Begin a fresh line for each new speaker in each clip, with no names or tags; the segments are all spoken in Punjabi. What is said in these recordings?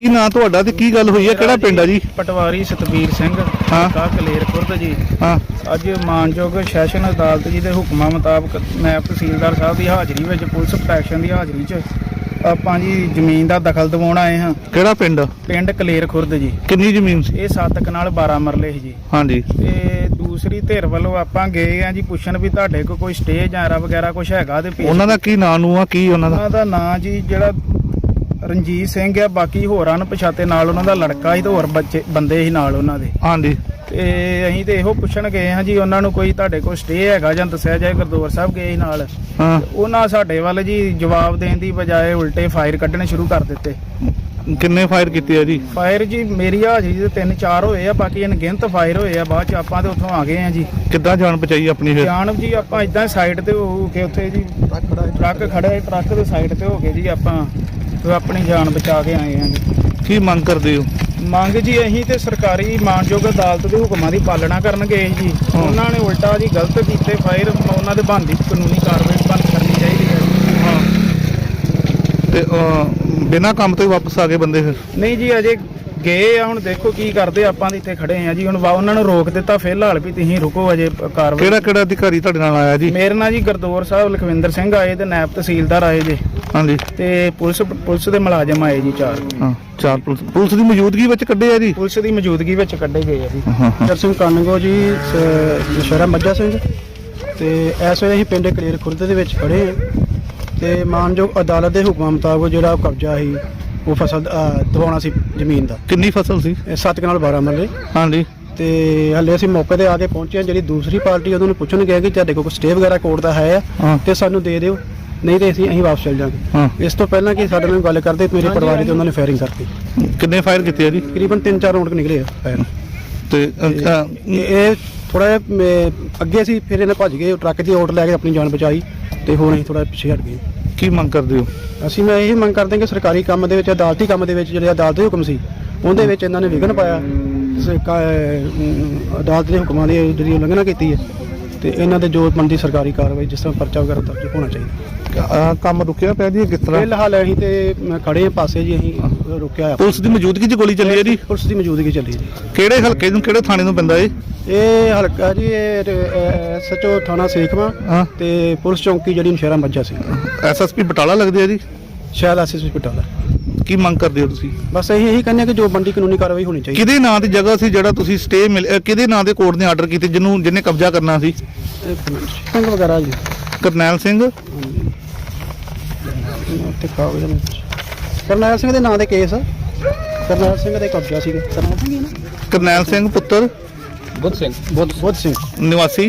ਕੀ ਨਾਂ ਤੁਹਾਡਾ ਤੇ ਕੀ ਗੱਲ ਹੋਈ ਹੈ? ਕਿਹੜਾ ਪਿੰਡ ਆ ਜੀ?
ਪਟਵਾਰੀ ਸਤਬੀਰ ਸਿੰਘ
ਹਾਂ।
ਕਲੇਰ ਖੁਰਦ ਜੀ।
ਹਾਂ।
ਅੱਜ ਮਾਨਯੋਗ ਸੈਸ਼ਨ ਅਦਾਲਤ ਜੀ ਦੇ ਹੁਕਮਾਂ ਮੁਤਾਬਕ ਨਾਇਬ ਤਹਿਸੀਲਦਾਰ ਸਾਹਿਬ ਦੀ ਹਾਜ਼ਰੀ ਵਿੱਚ ਪੁਲਿਸ ਪ੍ਰੋਟੈਕਸ਼ਨ ਦੀ ਹਾਜ਼ਰੀ 'ਚ ਆਪਾਂ ਜੀ ਜ਼ਮੀਨ ਦਾ ਦਖਲ ਦਿਵਾਉਣ ਆਏ ਹਾਂ।
ਕਿਹੜਾ ਪਿੰਡ?
ਪਿੰਡ ਕਲੇਰ ਖੁਰਦ ਜੀ।
ਕਿੰਨੀ ਜ਼ਮੀਨ ਸੀ?
ਇਹ 7 ਕਨਾਲ 12 ਮਰਲੇ ਸੀ ਜੀ।
ਹਾਂਜੀ।
ਤੇ ਦੂਸਰੀ ਧਿਰ ਵੱਲੋਂ ਆਪਾਂ ਗਏ ਆ ਜੀ ਪੁੱਛਣ ਵੀ ਤੁਹਾਡੇ ਕੋਲ ਕੋਈ ਸਟੇ ਜਾਂ ਵਗੈਰਾ ਕੁਝ ਹੈਗਾ ਤੇ
ਉਹਨਾਂ ਦਾ ਕੀ ਨਾਂ ਨੂੰ ਆ? ਕੀ ਉਹਨਾਂ ਦਾ
ਨਾਂ ਜੀ ਜਿਹੜਾ ਰਣਜੀਤ ਸਿੰਘ ਆ, ਬਾਕੀ ਹੋਰਾਂ ਨੂੰ ਪਛਾਤੇ ਨਾਲ ਉਹਨਾਂ ਦਾ ਲੜਕਾ ਸੀ ਤੇ ਹੋਰ ਬੱਚੇ ਬੰਦੇ ਸੀ ਨਾਲ ਉਹਨਾਂ ਦੇ।
ਹਾਂਜੀ।
ਤੇ ਅਸੀਂ ਤੇ ਇਹੋ ਪੁੱਛਣ ਗਏ ਹਾਂ ਜੀ ਉਹਨਾਂ ਨੂੰ ਕੋਈ ਤੁਹਾਡੇ ਕੋਲ ਸਟੇ ਹੈਗਾ ਜਾਂ ਦੱਸਿਆ ਜਾਏ। ਗੁਰਦੁਆਰਾ ਸਾਹਿਬ ਗਏ ਸੀ ਨਾਲ।
ਹਾਂ।
ਉਹਨਾਂ ਸਾਡੇ ਵੱਲ ਜੀ ਜਵਾਬ ਦੇਣ ਦੀ ਬਜਾਏ ਉਲਟੇ ਫਾਇਰ ਕੱਢਣੇ ਸ਼ੁਰੂ ਕਰ ਦਿੱਤੇ।
ਕਿੰਨੇ ਫਾਇਰ ਕੀਤੇ ਆ ਜੀ?
ਫਾਇਰ ਜੀ ਮੇਰੀ ਹਾਜ਼ਰੀ ਦੇ 3-4 ਹੋਏ ਆ, ਬਾਕੀ ਅਣਗਿਣਤ ਫਾਇਰ ਹੋਏ ਆ। ਬਾਅਦ ਚ ਆਪਾਂ ਤੇ ਉੱਥੋਂ ਆ ਗਏ ਆ ਜੀ।
ਕਿੱਦਾਂ ਜਾਨ ਬਚਾਈ ਆਪਣੀ ਫਿਰ?
ਜਾਨ ਜੀ ਆਪਾਂ ਇਦਾਂ ਸਾਈਡ ਤੇ ਹੋ ਕੇ ਉੱਥੇ ਜੀ ਟਰੱਕ ਖੜਾ, ਟਰੱਕ ਦੇ ਸਾਈਡ ਤੇ ਹੋ ਕੇ ਜੀ ਆਪਾਂ ਆਪਣੀ ਜਾਨ ਬਚਾ ਕੇ ਆਏ ਆ ਜੀ।
ਕੀ ਮੰਗ ਕਰਦੇ ਹੋ?
ਮੰਗ ਜੀ ਅਸੀਂ ਤੇ ਸਰਕਾਰੀ ਮਾਨਯੋਗ ਅਦਾਲਤ ਦੇ ਹੁਕਮਾਂ ਦੀ ਪਾਲਣਾ ਕਰਨ ਗਏ ਜੀ। ਉਹਨਾਂ ਨੇ ਉਲਟਾ ਜੀ ਗਲਤ ਕੀਤੇ ਫਾਇਰ। ਉਹਨਾਂ ਦੇ ਬਣਦੀ ਕਾਨੂੰਨੀ ਕਾਰਵਾਈ ਕਰਨੀ ਚਾਹੀਦੀ ਹੈ।
ਹਾਂ। ਤੇ ਬਿਨਾਂ ਕੰਮ ਤੋਂ ਹੀ ਵਾਪਸ ਆ ਗਏ ਬੰਦੇ ਫਿਰ?
ਨਹੀਂ ਜੀ ਅਜੇ ਗਏ ਆ। ਹੁਣ ਦੇਖੋ ਕੀ ਕਰਦੇ। ਆਪਾਂ ਦੇ ਇੱਥੇ ਖੜੇ ਆ ਜੀ। ਹੁਣ ਉਹਨਾਂ ਨੂੰ ਰੋਕ ਦਿੱਤਾ ਫਿਲਹਾਲ ਵੀ ਤੁਸੀਂ ਰੁਕੋ, ਅਜੇ ਕਾਰਵਾਈ।
ਕਿਹੜਾ ਅਧਿਕਾਰੀ ਤੁਹਾਡੇ ਨਾਲ ਆਇਆ ਜੀ?
ਮੇਰੇ ਨਾਲ ਜੀ ਗੁਰਦੁਆਰਾ ਸਾਹਿਬ ਲਖਵਿੰਦਰ ਸਿੰਘ ਆਏ ਤੇ ਨਾਇਬ ਤਹਿਸੀਲਦਾਰ ਆਏ ਜੀ।
ਹਾਂਜੀ।
ਤੇ ਪੁਲਿਸ ਦੇ ਮੁਲਾਜ਼ਮ ਆਏ ਜੀ 4।
ਹਾਂ, 4 ਪੁਲਿਸ ਦੀ ਮੌਜੂਦਗੀ ਵਿੱਚ ਕੱਢੇ ਆ ਜੀ?
ਪੁਲਿਸ ਦੀ ਮੌਜੂਦਗੀ ਵਿੱਚ ਕੱਢੇ ਗਏ ਆ ਜੀ।
ਜਰ ਸਿੰਘ ਕਾਨਗੋ ਜੀ, ਨਸ਼ਹਿਰਾ ਮੱਝਾ ਸਿੰਘ। ਤੇ ਇਸ ਵੇਲੇ ਅਸੀਂ ਪਿੰਡ ਕਲੇਰ ਖੁਰਦ ਦੇ ਵਿੱਚ ਖੜੇ ਹਾਂ ਤੇ ਮਾਨਯੋਗ ਅਦਾਲਤ ਦੇ ਹੁਕਮਾਂ ਮੁਤਾਬਕ ਜਿਹੜਾ ਕਬਜ਼ਾ ਸੀ ਉਹ ਫਸਲ ਦਵਾਉਣਾ ਸੀ ਜ਼ਮੀਨ ਦਾ।
ਕਿੰਨੀ ਫਸਲ ਸੀ?
7 ਕਨਾਲ 12 ਮਰਲੇ।
ਹਾਂਜੀ।
ਤੇ ਹਲੇ ਅਸੀਂ ਮੌਕੇ ਤੇ ਆ ਕੇ ਪਹੁੰਚੇ ਹਾਂ। ਜਿਹੜੀ ਦੂਸਰੀ ਪਾਰਟੀ ਉਹਨੂੰ ਪੁੱਛਣ ਗਿਆ ਕਿ ਤੁਹਾਡੇ ਕੋਲ ਸਟੇ ਵਗੈਰਾ ਕੋਰਟ ਦਾ ਹੈ
ਹਾਂ।
ਤੇ ਸਾਨੂੰ ਦੇ ਦਿਓ, ਨਹੀਂ ਤੇ ਅਸੀਂ ਵਾਪਸ ਚਲ ਜਾਵਾਂਗੇ।
ਹਾਂ।
ਇਸ ਤੋਂ ਪਹਿਲਾਂ ਕਿ ਸਾਡੇ ਨਾਲ ਗੱਲ ਕਰਦੇ ਮੇਰੇ ਪਰਿਵਾਰ ਤੇ ਉਹਨਾਂ ਨੇ ਫਾਇਰਿੰਗ ਕਰਤੀ।
ਕਿੰਨੇ ਫਾਇਰ ਕੀਤੇ ਆ ਜੀ?
ਤਕਰੀਬਨ 3-4 ਰਾਉਂਡ ਨਿਕਲੇ ਆ ਫਾਇਰ।
ਤੇ
ਇਹ ਥੋੜਾ ਜਿਹਾ ਅੱਗੇ ਸੀ, ਫਿਰ ਇਹਨੇ ਭੱਜ ਗਏ, ਟਰੱਕ ਦੀ ਓਟ ਲੈ ਕੇ ਆਪਣੀ ਜਾਨ ਬਚਾਈ ਤੇ ਹੁਣ ਅਸੀਂ ਥੋੜਾ ਪਿੱਛੇ ਹਟ ਗਏ।
ਕੀ ਮੰਗ ਕਰਦੇ ਹੋ?
ਅਸੀਂ ਮੈਂ ਇਹ ਮੰਗ ਕਰਦੇ ਹਾਂ ਕਿ ਸਰਕਾਰੀ ਕੰਮ ਦੇ ਵਿੱਚ, ਅਦਾਲਤੀ ਕੰਮ ਦੇ ਵਿੱਚ ਜਿਹੜੇ ਅਦਾਲਤ ਦੇ ਹੁਕਮ ਸੀ ਉਹਦੇ ਵਿੱਚ ਇਹਨਾਂ ਨੇ ਵਿਘਨ ਪਾਇਆ। ਅਦਾਲਤ ਦੇ ਹੁਕਮਾਂ ਦੀ ਜਿਹੜੀ ਉਲੰਘਣਾ ਕੀਤੀ ਹੈ ਤੇ ਇਹਨਾਂ ਦੇ ਜੋ ਬਣਦੀ ਸਰਕਾਰੀ ਕਾਰਵਾਈ, ਜਿਸ ਤਰ੍ਹਾਂ ਪਰਚਾ ਵਗੈਰਾ ਦਰਜ ਹੋਣਾ ਚਾਹੀਦਾ।
ਕੰਮ ਰੁਕਿਆ ਪਿਆ ਜੀ ਕਿਸ ਤਰ੍ਹਾਂ?
ਫਿਲਹਾਲ ਅਸੀਂ ਤੇ ਖੜੇ ਹਾਂ ਪਾਸੇ ਜੀ, ਅਸੀਂ ਰੁਕਿਆ ਹੋਇਆ।
ਪੁਲਿਸ ਦੀ ਮੌਜੂਦਗੀ 'ਚ ਗੋਲੀ ਚੱਲੀ ਹੈ ਜੀ?
ਪੁਲਿਸ ਦੀ ਮੌਜੂਦਗੀ ਚੱਲੀ ਜੀ।
ਕਿਹੜੇ ਹਲਕੇ ਨੂੰ, ਕਿਹੜੇ ਥਾਣੇ ਨੂੰ ਪੈਂਦਾ
ਇਹ ਹਲਕਾ ਜੀ SHO ਥਾਣਾ ਸੇਖਵਾਂ
ਹਾਂ।
ਤੇ ਪੁਲਿਸ ਚੌਂਕੀ ਜਿਹੜੀ ਨਸ਼ਹਿਰਾ ਮੱਝਾ ਸੀ।
SSP ਬਟਾਲਾ ਲੱਗਦੇ ਆ ਜੀ?
ਸ਼ਾਇਦ SSP ਬਟਾਲਾ।
ਕੀ ਮੰਗ ਕਰਦੇ ਹੋ ਤੁਸੀਂ?
ਬਸ ਅਸੀਂ ਇਹੀ ਕਹਿੰਦੇ ਹਾਂ ਕਿ ਜੋ ਬਣਦੀ ਕਾਨੂੰਨੀ ਕਾਰਵਾਈ ਹੋਣੀ ਚਾਹੀਦੀ।
ਕਿਹਦੇ ਨਾਂ ਦੀ ਜਗ੍ਹਾ ਸੀ ਜਿਹੜਾ ਤੁਸੀਂ ਸਟੇ ਕਿਹਦੇ ਨਾਂ ਦੇ ਕੋਰਟ ਨੇ ਆਰਡਰ ਕੀਤੇ ਜਿਹਨੇ ਕਬਜ਼ਾ ਕਰਨਾ ਸੀ?
ਸਿੰਘ ਵਗੈਰਾ ਜੀ।
ਕਰਨੈਲ ਸਿੰਘ।
ਕਰਨੈਲ ਸਿੰਘ ਦੇ ਨਾਂ ਦੇ ਕੇਸ। ਕਰਨੈਲ ਸਿੰਘ ਦੇ ਕਬਜ਼ਾ ਸੀਗਾ। ਕਰਨੈਲ ਸਿੰਘ ਹੀ ਨਾ?
ਕਰਨੈਲ ਸਿੰਘ ਪੁੱਤਰ
ਬੁੱਧ ਸਿੰਘ।
ਬੁੱਧ ਸਿੰਘ
ਨਿਵਾਸੀ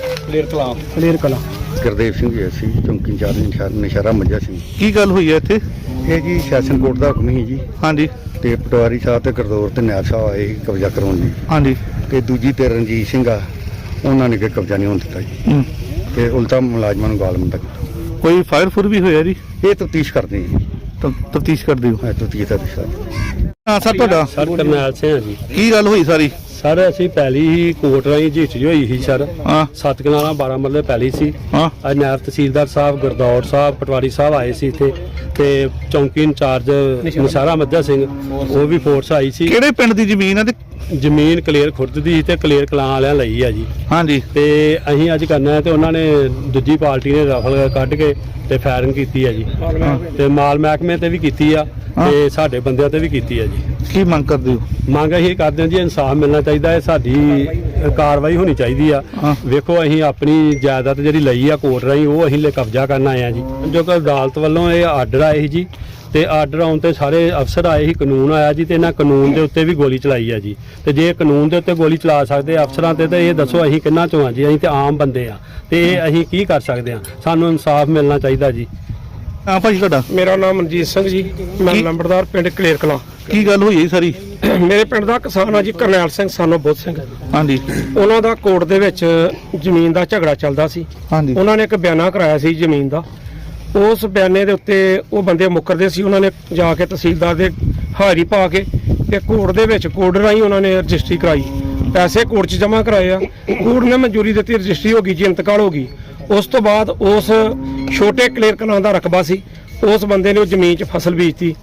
ਕਲੇਰ ਕਲਾਂ।
ਗੁਰਦੇਵ ਸਿੰਘ ਜੀ, ਅਸੀਂ ਚੌਂਕੀ ਇੰਚਾਰਜ ਨਸ਼ਹਿਰਾ ਮੱਝਾ ਸਿੰਘ।
ਕੀ ਗੱਲ ਹੋਈ ਹੈ ਇੱਥੇ?
ਇਹ ਜੀ ਸੈਸ਼ਨ ਕੋਰਟ ਦਾ ਹੁਕਮ ਸੀ ਜੀ।
ਹਾਂਜੀ।
ਤੇ ਪਟਵਾਰੀ ਸਾਹਿਬ ਤੇ ਗੁਰਦੌਰ ਤੇ ਨਾਇਬ ਸਾਹਿਬ ਆਏ ਸੀ ਕਬਜ਼ਾ ਕਰਾਉਣ ਲਈ।
ਹਾਂਜੀ।
ਤੇ ਦੂਜੀ ਤੇ ਰਣਜੀਤ ਸਿੰਘ ਆ, ਉਹਨਾਂ ਨੇ ਕਿ ਕਬਜ਼ਾ ਨਹੀਂ ਹੋਣ ਦਿੱਤਾ ਜੀ। ਤੇ ਉਲਟਾ ਮੁਲਾਜ਼ਮਾਂ ਨੂੰ ਗਾਲਮੰਦਾ ਕੀਤਾ।
ਕੋਈ ਫਾਇਰ ਫੁਰ ਵੀ ਹੋਇਆ ਜੀ?
ਇਹ ਤਫਤੀਸ਼ ਕਰਦੇ ਜੀ।
ਤਫਤੀਸ਼ ਕਰਦੇ ਹੋ?
ਤਫਤੀਸ਼ ਦਾ ਵਿਸ਼ਾ।
ਹਾਂ ਸਰ, ਤੁਹਾਡਾ?
ਸਰ ਕਰਨੈਲ ਸਿੰਘ ਜੀ।
ਕੀ ਗੱਲ ਹੋਈ ਸਾਰੀ?
ਸਰ ਅਸੀਂ ਪਹਿਲੀ ਹੀ ਕੋਰਟ ਰਾਹੀਂ ਝਿੱਟ ਹੋਈ ਸੀ ਸਰ।
ਹਾਂ।
7 ਕਨਾਲਾਂ 12 ਮਰਲੇ ਪਹਿਲੀ ਸੀ।
ਹਾਂ।
ਅੱਜ ਨਾਇਬ ਤਹਿਸੀਲਦਾਰ ਸਾਹਿਬ, ਗੁਰਦੌਰ ਸਾਹਿਬ, ਪਟਵਾਰੀ ਸਾਹਿਬ ਆਏ ਸੀ ਇੱਥੇ ਤੇ ਚੌਂਕੀ ਇੰਚਾਰਜ ਨਸ਼ਹਿਰਾ ਮੱਝਾ ਸਿੰਘ, ਉਹ ਵੀ ਫੋਰਸ ਆਈ ਸੀ।
ਕਿਹੜੇ ਪਿੰਡ ਦੀ ਜ਼ਮੀਨ ਹੈ ਤੇ?
ਜ਼ਮੀਨ ਕਲੇਰ ਖੁਰਦ ਦੀ ਤੇ ਕਲੇਰ ਕਲਾਂ ਵਾਲਿਆਂ ਲਈ ਆ ਜੀ।
ਹਾਂਜੀ।
ਤੇ ਅਸੀਂ ਅੱਜ ਕਰਨਾ ਤੇ ਉਹਨਾਂ ਨੇ ਦੂਜੀ ਪਾਰਟੀ ਨੇ ਰਫਲ ਕੱਢ ਕੇ ਤੇ ਫਾਇਰਿੰਗ ਕੀਤੀ ਹੈ ਜੀ। ਤੇ ਮਾਲ ਮਹਿਕਮੇ ਤੇ ਵੀ ਕੀਤੀ ਆ ਤੇ ਸਾਡੇ ਬੰਦਿਆਂ ਤੇ ਵੀ ਕੀਤੀ ਹੈ ਜੀ।
ਕੀ ਮੰਗ ਕਰਦੇ ਹੋ?
ਮੰਗ ਅਸੀਂ ਕਰਦੇ ਹਾਂ ਜੀ ਇਨਸਾਫ ਮਿਲਣਾ ਚਾਹੀਦਾ ਹੈ, ਸਾਡੀ ਕਾਰਵਾਈ ਹੋਣੀ ਚਾਹੀਦੀ ਆ। ਵੇਖੋ ਅਸੀਂ ਆਪਣੀ ਜਾਇਦਾਦ ਜਿਹੜੀ ਲਈ ਆ ਕੋਰਟ ਰਾਹੀਂ ਉਹ ਅਸੀਂ ਕਬਜ਼ਾ ਕਰਨ ਆਏ ਆ ਜੀ। ਜੋ ਕਿ ਅਦਾਲਤ ਵੱਲੋਂ ਇਹ ਆਰਡਰ ਆਏ ਸੀ ਜੀ ਤੇ ਆਰਡਰ ਆਉਣ ਤੇ ਸਾਰੇ ਅਫਸਰ ਆਏ ਸੀ, ਕਾਨੂੰਨ ਆਇਆ ਜੀ ਤੇ ਇਹਨਾਂ ਕਾਨੂੰਨ ਦੇ ਉੱਤੇ ਵੀ ਗੋਲੀ ਚਲਾਈ ਆ ਜੀ। ਤੇ ਜੇ ਕਾਨੂੰਨ ਦੇ ਉੱਤੇ ਗੋਲੀ ਚਲਾ ਸਕਦੇ ਅਫਸਰਾਂ ਤੇ ਇਹ ਦੱਸੋ ਅਸੀਂ ਕਿੰਨਾ ਚੋਂ ਆ ਜੀ? ਅਸੀਂ ਤੇ ਆਮ ਬੰਦੇ ਆ ਤੇ ਇਹ ਅਸੀਂ ਕੀ ਕਰ ਸਕਦੇ ਆ? ਸਾਨੂੰ ਇਨਸਾਫ ਮਿਲਣਾ ਚਾਹੀਦਾ ਜੀ।
ਹਾਂ ਭਾਜੀ, ਤੁਹਾਡਾ?
ਮੇਰਾ ਨਾਮ ਮਨਜੀਤ ਸਿੰਘ ਜੀ, ਮੈਂ ਲੰਬੜਦਾਰ ਪਿੰਡ ਕਲੇਰ ਕਲਾਂ।
ਕੀ ਗੱਲ ਹੋਈ ਹੈ ਸਾਰੀ?
ਮੇਰੇ ਪਿੰਡ ਦਾ ਕਿਸਾਨ ਆ ਜੀ ਕਰਨੈਲ ਸਿੰਘ ਸਾਨੂੰ ਬੁੱਧ ਸਿੰਘ।
ਹਾਂਜੀ।
ਉਹਨਾਂ ਦਾ ਕੋਰਟ ਦੇ ਵਿੱਚ ਜ਼ਮੀਨ ਦਾ ਝਗੜਾ ਚੱਲਦਾ ਸੀ।
ਹਾਂਜੀ।
ਉਹਨਾਂ ਨੇ ਇੱਕ ਬਿਆਨਾ ਕਰਾਇਆ ਸੀ ਜ਼ਮੀਨ ਦਾ। ਉਸ ਬਿਆਨੇ ਦੇ ਉੱਤੇ ਉਹ ਬੰਦੇ ਮੁੱਕਰਦੇ ਸੀ। ਉਹਨਾਂ ਨੇ ਜਾ ਕੇ ਤਹਿਸੀਲਦਾਰ ਦੇ ਹਾਜ਼ਰੀ ਪਾ ਕੇ ਤੇ ਕੋਰਟ ਦੇ ਵਿੱਚ ਕੋਰਟ ਰਾਹੀਂ ਉਹਨਾਂ ਨੇ ਰਜਿਸਟਰੀ ਕਰਾਈ। ਪੈਸੇ ਕੋਰਟ 'ਚ ਜਮ੍ਹਾਂ ਕਰਾਏ ਆ। ਕੋਰਟ ਨੇ ਮਨਜ਼ੂਰੀ ਦਿੱਤੀ, ਰਜਿਸਟਰੀ ਹੋ ਗਈ ਜੀ, ਇੰਤਕਾਲ ਹੋ ਗਈ। ਉਸ ਤੋਂ ਬਾਅਦ ਉਸ ਛੋਟੇ ਕਲੇਰ ਕਲਾਂ ਦਾ ਰਕਬਾ ਸੀ, ਉਸ ਬੰਦੇ ਨੇ ਉਹ ਜ਼ਮੀਨ 'ਚ ਫਸਲ ਬੀਜਤੀ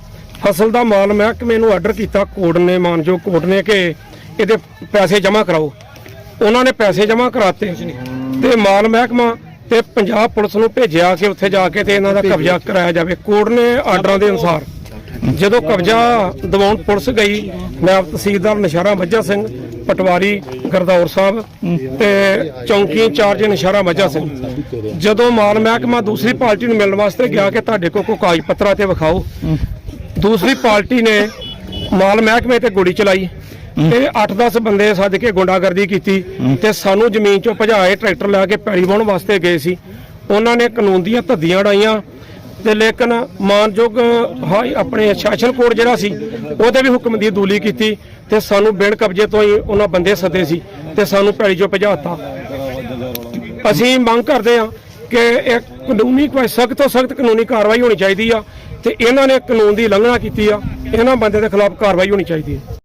ਫਸਲ ਦਾ ਮਾਲ ਮਹਿਕਮੇ ਨੂੰ ਆਰਡਰ ਕੀਤਾ ਕੋਰਟ ਨੇ, ਮਾਨਯੋਗ ਕੋਰਟ ਨੇ, ਕਿ ਇਹਦੇ ਪੈਸੇ ਜਮ੍ਹਾਂ ਕਰਾਓ। ਉਹਨਾਂ ਨੇ ਪੈਸੇ ਜਮ੍ਹਾਂ ਕਰਾਤੇ ਤੇ ਮਾਲ ਮਹਿਕਮਾ ਤੇ ਪੰਜਾਬ ਪੁਲਿਸ ਨੂੰ ਭੇਜਿਆ ਕਿ ਉੱਥੇ ਜਾ ਕੇ ਤੇ ਇਹਨਾਂ ਦਾ ਕਬਜ਼ਾ ਕਰਾਇਆ ਜਾਵੇ। ਕੋਰਟ ਨੇ ਆਰਡਰਾਂ ਦੇ ਅਨੁਸਾਰ ਜਦੋਂ ਕਬਜ਼ਾ ਦਿਵਾਉਣ ਪੁਲਿਸ ਗਈ, ਨਾਇਬ ਤਹਿਸੀਲਦਾਰ ਨਸ਼ਹਿਰਾ ਮੱਝਾ ਸਿੰਘ, ਪਟਵਾਰੀ ਗਰਦੌਰ ਸਾਹਿਬ ਤੇ ਚੌਂਕੀ ਇੰਚਾਰਜ ਨਸ਼ਹਿਰਾ ਮੱਝਾ ਸਿੰਘ, ਜਦੋਂ ਮਾਲ ਮਹਿਕਮਾ ਦੂਸਰੀ ਪਾਰਟੀ ਨੂੰ ਮਿਲਣ ਵਾਸਤੇ ਗਿਆ ਕਿ ਤੁਹਾਡੇ ਕੋਲ ਕੋਈ ਕਾਗਜ਼ ਪੱਤਰਾਂ ਤੇ ਵਿਖਾਓ, ਦੂਸਰੀ ਪਾਰਟੀ ਨੇ ਮਾਲ ਮਹਿਕਮੇ ਤੇ ਗੋਲੀ ਚਲਾਈ ਤੇ 8-10 ਬੰਦੇ ਸੱਦ ਕੇ ਗੁੰਡਾਗਰਦੀ ਕੀਤੀ ਤੇ ਸਾਨੂੰ ਜ਼ਮੀਨ ਚੋਂ ਭਜਾਏ। ਟਰੈਕਟਰ ਲੈ ਕੇ ਪੈਲੀ ਵਾਹੁਣ ਵਾਸਤੇ ਗਏ ਸੀ, ਉਹਨਾਂ ਨੇ ਕਾਨੂੰਨ ਦੀਆਂ ਧੱਦੀਆਂ ਉਡਾਈਆਂ ਤੇ ਲੇਕਿਨ ਮਾਨਯੋਗ ਆਪਣੇ ਸ਼ਾਸਨ ਕੋਰਟ ਜਿਹੜਾ ਸੀ ਉਹਦੇ ਵੀ ਹੁਕਮ ਦੀ ਅਦੂਲੀ ਕੀਤੀ ਤੇ ਸਾਨੂੰ ਬਿਨ ਕਬਜ਼ੇ ਤੋਂ ਹੀ ਉਹਨਾਂ ਬੰਦੇ ਸੱਦੇ ਸੀ ਤੇ ਸਾਨੂੰ ਪੈਲੀ ਚੋਂ ਭਜਾਤਾ। ਅਸੀਂ ਮੰਗ ਕਰਦੇ ਹਾਂ ਕਿ ਇਹ ਕਾਨੂੰਨੀ ਕੋਈ ਸਖਤ ਤੋਂ ਸਖਤ ਕਾਨੂੰਨੀ ਕਾਰਵਾਈ ਹੋਣੀ ਚਾਹੀਦੀ ਆ ਤੇ ਇਹਨਾਂ ਨੇ ਕਾਨੂੰਨ ਦੀ ਉਲੰਘਣਾ ਕੀਤੀ ਆ, ਇਹਨਾਂ ਬੰਦੇ ਦੇ ਖਿਲਾਫ ਕਾਰਵਾਈ ਹੋਣੀ ਚਾਹੀਦੀ ਹੈ।